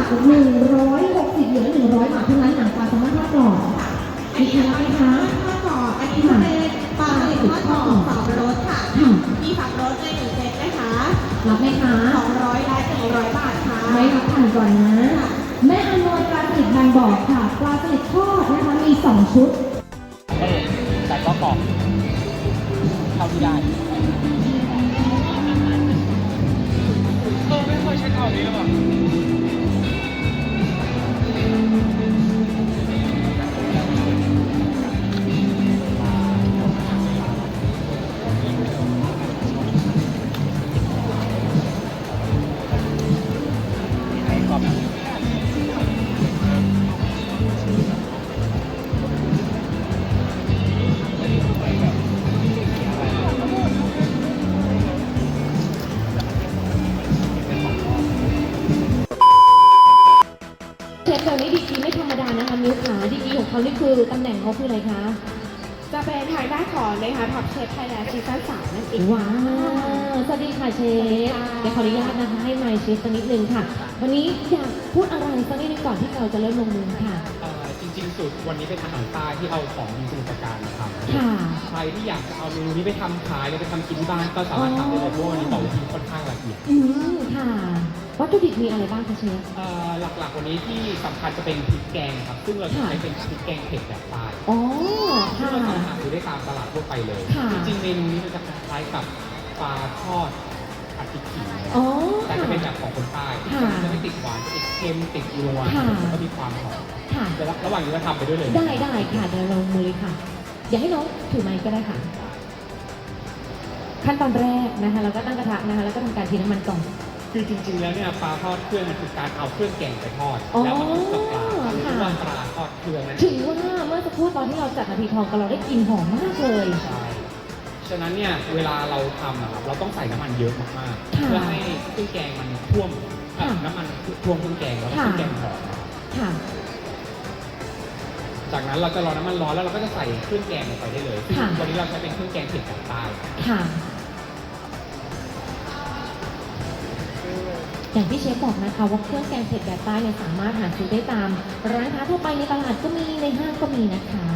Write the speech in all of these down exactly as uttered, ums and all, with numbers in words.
หนึ่งร้อยหกสิบเหลือหนึ่งร้อยบาทเท่านั้นหนังปลาแซลมอนทอดกรอบมีใครรับไหมคะทอดกรอบอันนี้จะเป็นปลาสลิดทอดกรอบสองรสค่ะมีสามรสในหนึ่งเซตนะคะรับไหมคะสองร้อยและหนึ่งร้อยบาทค่ะไม่รับผ่านก่อนนะแม่อานนท์ปลาสลิดบางบ่อค่ะปลาสลิดทอดนะคะมีสองชุดเออแต่ก็กรอบเท่าที่ได้เออไม่เคยใช้เท่านี้หรือเปล่าเชฟตัวนี้ดีกรีไม่ธรรมดานะคะมิ้วขาดีกรีของเขานี่คือตำแหน่งเขาคืออะไรคะจะเป็นทางด้านของนะคะท็อปเชฟไทยแลนด์ซีซั่นสามนั่นเองว้าวสวัสดีค่ะเชฟเดี๋ยวขออนุญาตนะคะให้ไมค์เชฟสักนิดนึงค่ะวันนี้อยากพูดอะไรสักนิดนึงก่อนที่เราจะเริ่มลงมือค่ะจริงๆสูตรวันนี้เป็นอาหารใต้ที่เอาของดีสมุทรปราการมาทำค่ะใครที่อยากจะเอาเมนูนี้ไปทำขายหรือไปทำกินที่บ้านก็สามารถทำได้เลยเพราะวันนี้บอกว่าทีค่อนข้างละเอียดอืมค่ะวัตถุดิบมีอะไรบ้างคะเชฟหลักๆวันนี้ที่สำคัญจะเป็นพริกแกงครับซึ่งเราจะใช้เป็นพริกแกงเผ็ดแบบใต้อ๋อที่ค่ะเราสามารถหาซื้อได้ตามตลาดทั่วไปเลยจริงๆเมนูนี้มันจะคล้ายกับปลาทอดผัดพริกขิงแต่จะเป็นแบบของคนใต้จะไม่ติดหวานจะติดเค็มติดนัวแล้วก็มีความหอมเดี๋ยวระหว่างนี้เราทำไปด้วยเลยได้ได้ค่ะเดี๋ยวลงมือเลยค่ะอย่าให้น้องถือไม้ก็ได้ค่ะขั้นตอนแรกนะคะเราก็ตั้งกระทะนะคะแล้วก็ทำการเทน้ำมันก่อนคือจริงๆแล้วเนี่ยปลาทอดเครื่องมันคือการเอาเครื่องแกงไปทอดแล้วมาคลุกกับปลาหรือว่าปลาทอดเครื่องนั่นถือว่าเมื่อสักครู่ตอนที่เราจัดนาทีทองกันเราได้กลิ่นหอมมากเลยใช่ฉะนั้นเนี่ยเวลาเราทำนะครับเราต้องใส่น้ำมันเยอะมากๆเพื่อให้เครื่องแกงมันท่วมน้ำมันท่วมเครื่องแกงแล้วเครื่องแกงหอมจากนั้นเราจะรอน้ำมันร้อนแล้วเราก็จะใส่เครื่องแกงลงไปได้เลยวันนี้เราใช้เป็นเครื่องแกงเผ็ดแบบใต้อย่างที่เชฟบอกนะคะว่าเครื่องแกงเผ็ดแบบใต้เนี่ยสามารถหาซื้อได้ตามร้านค้าทั่วไปในตลาดก็มีในห้างก็มีนะคะ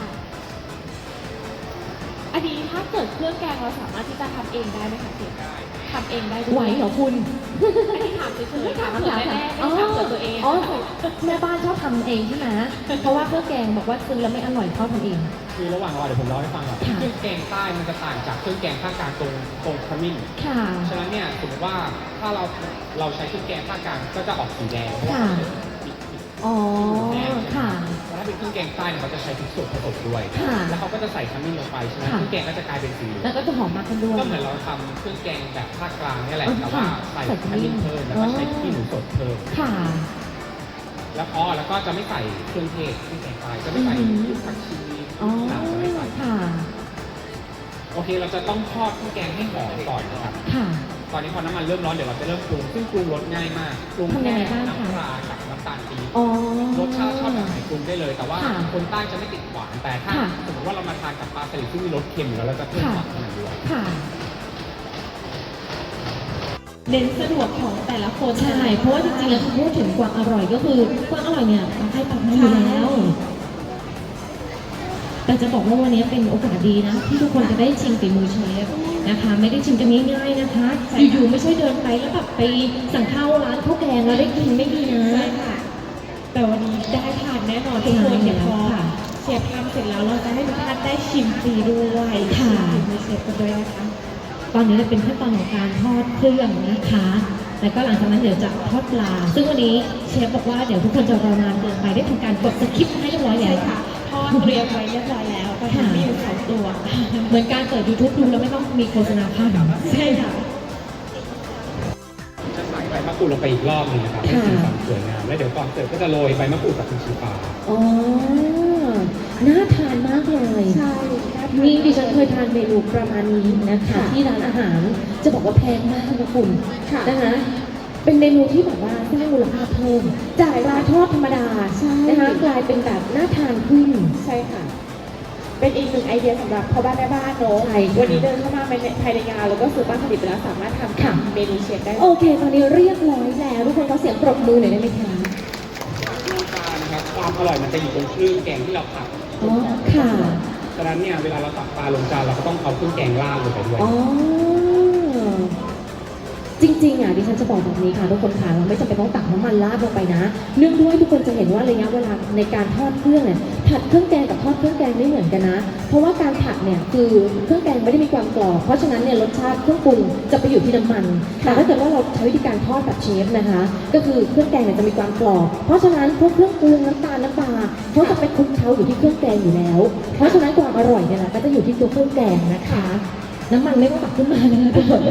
อันนี้ถ้าเกิดเครื่องแกงเราสามารถที่จะทำเองได้ไหมคะเชฟทำเองได้ไหวเหรอคุณอันนี้ถามเฉยๆถามเผื่อแม่ไม่ถามเผื่อตัวเองแม่บ้านชอบทำเองใช่ไหมเพราะว่าเครื่องแกงบอกว่าซื้อแล้วไม่อร่อยเท่าทำเองคือระหว่างรอเดี๋ยวผมเล่าให้ฟังก่อนเครื่องแกงใต้มันจะต่างจากเครื่องแกงภาคกลางตรงตรงขมิ้นฉะนั้นเนี่ยสมมติว่าถ้าเราเราใช้เครื่องแกงภาคกลางก็จะออกสีแดงเพราะว่าอ๋อค่ะแต่ถ้าเป็นเครื่องแกงใต้เนี่ยเขาจะใช้พริกสดผสมด้วยแล้วเขาก็จะใส่ขมิ้นลงไปใช่ไหมเครื่องแกงก็จะกลายเป็นสีแล้วก็จะหอมมากขึ้นด้วยก็เหมือนเราทำเครื่องแกงแบบภาคกลางนี่แหละแต่ว่าใส่ขมิ้นเพิ่มแล้วก็ใช้ขี้หนูสดเพิ่มค่ะแล้วอ๋อแล้วก็จะไม่ใส่เครื่องเทศเครื่องแกงใต้จะไม่ใส่ผักชีน้ำจะไม่ใส่โอเคเราจะต้องทอดเครื่องแกงให้หอมก่อนนะครับตอนนี้พอน้ำมันเริ่มร้อนเดี๋ยวเราจะเริ่มปรุงซึ่งปรุงรสง่ายมากปรุงแค่น้ำปลากับน้ำตาลปี๊บรสชาติชอบแบบไหนปรุงได้เลยแต่ว่าคนใต้จะไม่ติดหวานแต่ถ้าสมมติว่าเรามาทานกับปลาสลิดที่มีรสเค็มแล้วเราจะเพิ่มหวานขึ้นมาด้วยเน้นสะดวกของแต่ละคนใช่เพราะว่าจริงๆแล้วพูดถึงความอร่อยก็คือกวางอร่อยเนี่ยให้ปากมาอยู่แล้วแต่จะบอกว่าวันนี้เป็นโอกาสดีนะที่ทุกคนจะได้ชิมฝีมือเชฟนะคะไม่ได้ชิมกันง่ายๆนะคะอยู่ๆไม่ใช่เดินไปแล้วแบบไปสั่งข้าวร้านข้าวแกงแล้วได้กินไม่ดีนะใช่ค่ะแต่วันนี้ได้ทานแน่นอนทุกคนเดี๋ยวพอเชฟทำเสร็จแล้วเราจะให้ทุกท่านได้ชิมฟรีด้วยค่ะฝีมือเชฟกันด้วยนะคะตอนนี้จะเป็นขั้นตอนของการทอดเครื่องนะคะแล้วก็หลังจากนั้นเดี๋ยวจะทอดปลาซึ่งวันนี้เชฟบอกว่าเดี๋ยวทุกคนจะรอนานเกินไปได้ทำการกดสคริปต์ให้เรียบร้อยแล้วค่ะทอดเตรียมไว้เรียบร้อยแล้วก็ทำมีอยู่สองตัวเหมือนการเปิด ยูทูบ ดูแล้วไม่ต้องมีโฆษณาภาพใช่ค่ะจะใส่ใบมะกรูดลงไปอีกรอบนึงนะครับให้สีสันสวยงามแล้วเดี๋ยวก่อนเสิร์ฟก็จะโรยใบมะกรูดกับพริกชี้ฟ้าอ๋อน่าทานมากเลยใช่นี่ดิฉันเคยทานเมนูประมาณนี้นะคะที่ร้านอาหารจะบอกว่าแพงมากนะคุณนะคะเป็นเมนูที่แบบว่าสร้างมูลค่าเพิ่มจากปลาทอดธรรมดานะคะกลายเป็นแบบน่าทานขึ้นใช่ค่ะเป็นอีกหนึ่งไอเดียสำหรับพ่อบ้านแม่บ้านเนาะวันนี้เดินเข้ามาภายในงานแล้วก็ซื้อบ้านผลิตไปแล้วสามารถทำเมนูเชฟได้โอเคตอนนี้เรียบร้อยแล้วทุกคนขอเสียงปรบมือหน่อยได้ไหมคะความอร่อยมันจะอยู่ตรงเครื่องแกงที่เราผัดอ๋อค่ะฉะนั้นเนี่ยเวลาเราตักปลาลงจานเราก็ต้องเอาเครื่องแกงราดลงไปด้วยอ๋อ จริงๆอ่ะดิฉันจะบอกแบบนี้ค่ะทุกคนค่ะเราไม่จำเป็นต้องตักน้ำมันราดลงไปนะ เนื่องด้วยทุกคนจะเห็นว่าระยะเวลาในการทอดเครื่องเนี่ยผัดเครื่องแกงกับทอดเครื่องแกงไม่เหมือนกันนะ เพราะว่าการผัดเนี่ยคือเครื่องแกงไม่ได้มีความกรอบเพราะฉะนั้นเนี่ยรสชาติเครื่องปรุงจะไปอยู่ที่น้ำมันแต่ถ้าเกิดว่าเราใช้วิธีการทอดแบบเชฟนะคะ ก็คือเครื่องแกงเนี่ยจะมีความกรอบเพราะฉะนั้นพวกเครื่องปรุงน้ำตาลน้ำปลาเขาจะไปคลุกเคล้าอยู่ที่เครื่องแกงอยู่แล้ว เพราะฉะนั้นความอร่อยเนี่ยนะก็จะอยู่ที่ตัวเครื่องแกงนะคะ น้ำมันไม่ต้องตักขึ้นมานะคะทุกคน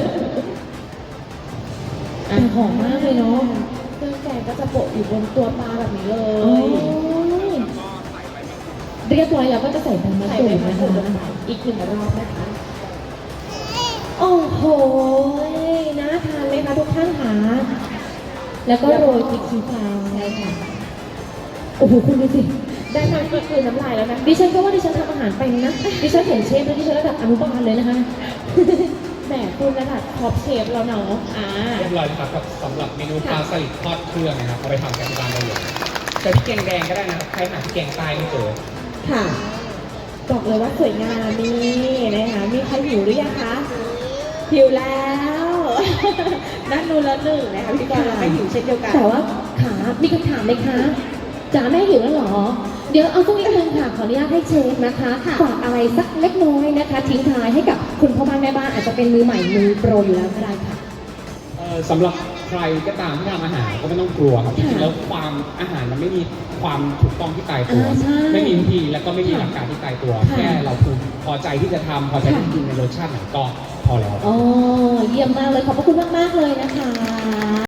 อ่ะหอมมากเลยเนาะเครื่องแกงก็จะโปะอยู่บนตัวปลาแบบนี้เลโอ้ยยเรียบร้อยแล้วก็จะใส่ใบมะใส่กรูใบดมะนะกรูดลงคะไปอีกหนึ่งรอบนะคะโอ้โหน่าทานไหมคะทุกท่านคะแล้วก็โรยพริกชี้ฟ้าใช่ค่ะโอ้โหคุณดูสิได้มาก็คือน้ำลายแล้วนะดิฉันก็ว่าดิฉันทำอาหารเป็นนะ ดิฉันเห็นเชฟแล้วดิฉันระดับอนุบาลเลยนะคะแหมคุณระดับท็อปเชฟแล้วเนาะอ่าเรียบร้อยนะครับกับสำหรับเมนูปลาสลิดทอดเครื่องนะครับเอาไปทำกันที่บ้านได้เลยใช้พริกแกงแดงก็ได้นะครับใครหาพริกแกงใต้ไม่เจอค่ะ บอกเลยว่าสวยงามนี่นะคะ มีใครหิวหรือยังคะ หิวแล้ว นั่นนูนละหนึ่งนะคะพิธีกรเราไม่หิวเช่นเดียวกันแต่ว่าขามีคำถามไหมคะจ๋าแม่หิวแล้วเหรอ เดี๋ยวเอาสักนิดนึงค่ะ ขออนุญาตให้เชฟนะคะฝากอะไรสักเล็กน้อยนะคะ ทิ้งท้ายให้กับคุณพ่อบ้านแม่บ้านอาจจะเป็นมือใหม่มือโปรอยู่แล้วก็ได้ค่ะเอ่อสำหรับใครก็ตามที่ทำอาหารก็ไม่ต้องกลัวครับจค่ะริงๆแล้วความอาหารมันไม่มีความถูกต้องที่ตายตัวอ่าใช่ไม่มีวิธีแล้วก็ไม่มีหลักการที่ตายตัวค่ะแค่เราภูมิพอใจที่จะทำพอใจที่ค่ะจะกินในรสชาติไหนก็พอแล้วอ๋อเยี่ยมมากเลยขอบพระคุณมาก ๆ เลยนะคะ